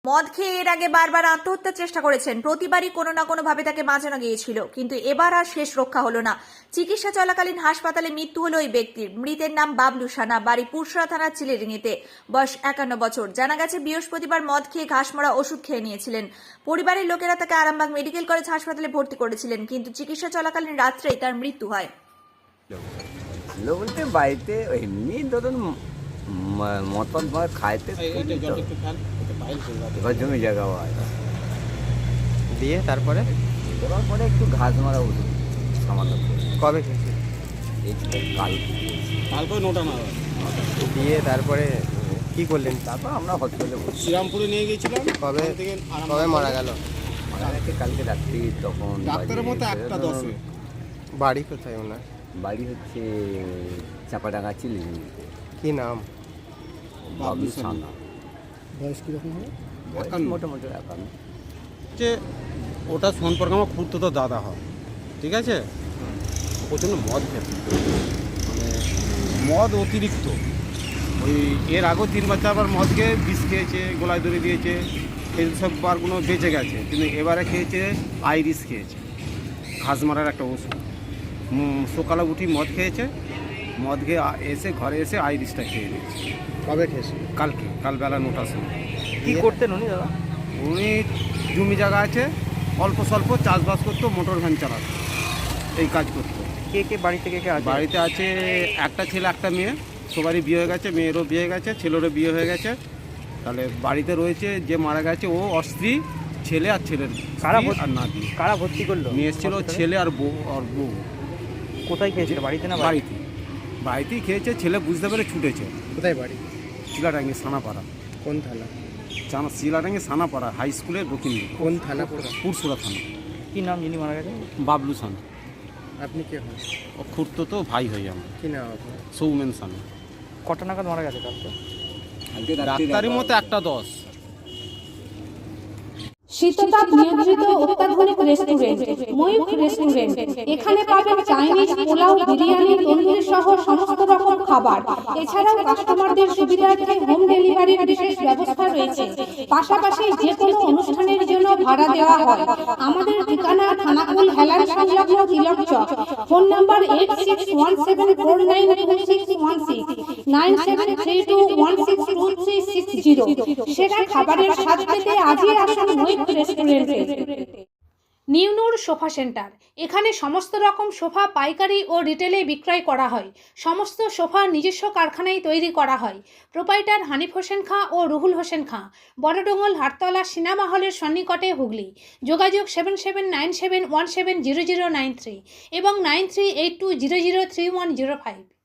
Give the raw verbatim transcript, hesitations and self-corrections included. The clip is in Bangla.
মদ খেয়ে এর আগে বারবার আত্মহত্যার চেষ্টা করেছেন, প্রতিবারই কোনো না কোনো ভাবে তাকে বাঁচানো গিয়েছিল, কিন্তু এবার আর শেষ রক্ষা হলো না। চিকিৎসা চলাকালীন হাসপাতালে মৃত্যু হলো ওই ব্যক্তির। মৃতের নাম বাবলু সানা, বাড়ি পুরসরা থানার চিলেডিঙিতে, বয়স একান্ন বছর। জানা গেছে বৃহস্পতিবার মদ খেয়ে ঘাসমরা ওষুধ খেয়ে নিয়েছিলেন। পরিবারের লোকেরা তাকে আরামবাগ মেডিকেল কলেজ হাসপাতালে ভর্তি করেছিলেন, কিন্তু চিকিৎসা চলাকালীন রাত্রেই তার মৃত্যু হয়। বলতে বাড়িতে এমনি ধরুন মতন খাইতে এবার জমি জায়গা হয় দিয়ে তারপরে দেওয়ার পরে একটু ঘাস মারা ওষুধ সামান্য কবে খেয়েছি এই কাল কালকে নটা না দিয়ে তারপরে কি করলেন? তারপর আমরা হসপিটালে শ্রীরামপুরে নিয়ে গিয়েছিলাম। কবে থেকে কবে মারা গেল? মারা গেছে কালকে রাত্রি। তখন ডাক্তারের মতো একটা দশে। বাড়ি কোথায় ওনার? বাড়ি হচ্ছে চাপাডাঙ্গা চিলি। কি নাম? বাবলু সানা। বয়স কীরকম হবে? বয়স মোটামুটি একান্ন। যে ওটা সম্পর্কে আমার খুঁড়তো তো দাদা হয়, ঠিক আছে। প্রচণ্ড মদ খেত, মানে মদ অতিরিক্ত। ওই এর আগেও তিনবার চারবার মদ খেয়ে বিষ খেয়েছে, গলায় ধরে দিয়েছে, এই সব বারগুলো বেঁচে গেছে। কিন্তু এবারে খেয়েছে আইরিস, খেয়েছে ঘাস মারার একটা ওষুধ। সকালে উঠি মদ খেয়েছে, মদ খেয়ে এসে ঘরে এসে আইরিসটা খেয়ে নিয়েছে। কবে খেয়েছি? কালকে কাল বেলা নটার সময়। কি করতেন উনি দাদা? উনি জমি জায়গা আছে, অল্প স্বল্প চাষবাস করতো, মোটর ভ্যান চালাতো, এই কাজ করতো। কে কে বাড়িতে কে কে আছে? বাড়িতে আছে একটা ছেলে একটা মেয়ে, সবারই বিয়ে হয়ে গেছে, মেয়েরও বিয়ে হয়ে গেছে, ছেলেরও বিয়ে হয়ে গেছে। তাহলে বাড়িতে রয়েছে যে মারা গেছে ও অস্ত্রী, ছেলে আর ছেলের কারা স্ত্রী আর নাতি। কারা ভর্তি করলো? নিয়ে এসেছিল ছেলে আর বউ আর বউ। কোথায় খেয়েছিল? বাড়িতে না? বাড়িতে বাড়িতেই খেয়েছে। ছেলে বুঝতে পেরে ছুটেছে। কোথায় বাড়ি? শিলাডাঙ্গি সানাপাড়া। কোন থানা? চানা শিলাডাঙ্গি সানাপাড়া হাই স্কুলের দক্ষিণ দিকে। কোন থানা? পুরসুরা থানা। কি নাম যিনি মারা গেছেন? বাবলু সানা। আপনি কে হন? ও খুঁড়তো তো ভাই হই আমরা। কি নাম আপনার? সৌমেন সানা। কটা নাগাদ মারা গেছে কালকে? ডাক্তারের মতো একটা দশ। শীততাপ নিয়ন্ত্রিত অত্যাধুনিক রেস্টুরেন্ট ময়ূখ রেস্টুরেন্ট। এখানে পাবেন চাইনিজ, পোলাও, বিরিয়ানি, তন্দুরি সহ সমস্ত রকম খাবার। এছাড়াও কাস্টমারদের সুবিধার্থে হোম ডেলিভারির বিশেষ ব্যবস্থা রয়েছে। পাশাপাশি যে কোনো অনুষ্ঠানের জন্য ভাড়া দেওয়া হয়। আমাদের ঠিকানা খানাকুল হেলান সংলগ্ন Tilak Chak. Phone number eight six one seven four nine two six one six, nine seven three two one six two three six zero. সেরা খাবারের স্বাদ পেতে আজই আসুন ময়ূখ রেস্টুরেন্টে। New Noor sofa centre. এখানে সমস্ত রকম সোফা পাইকারি ও রিটেলে বিক্রয় করা হয়। সমস্ত সোফা নিজস্ব কারখানায় তৈরি করা হয়। প্রোপাইটার হানিফ হোসেন খাঁ ও রুহুল হোসেন খাঁ, বড়ডোঙ্গল হাটতলা সিনেমা হলের সন্নিকটে, হুগলি। যোগাযোগ seven seven nine seven one seven zero zero nine three এবং nine three eight two zero zero three one zero five.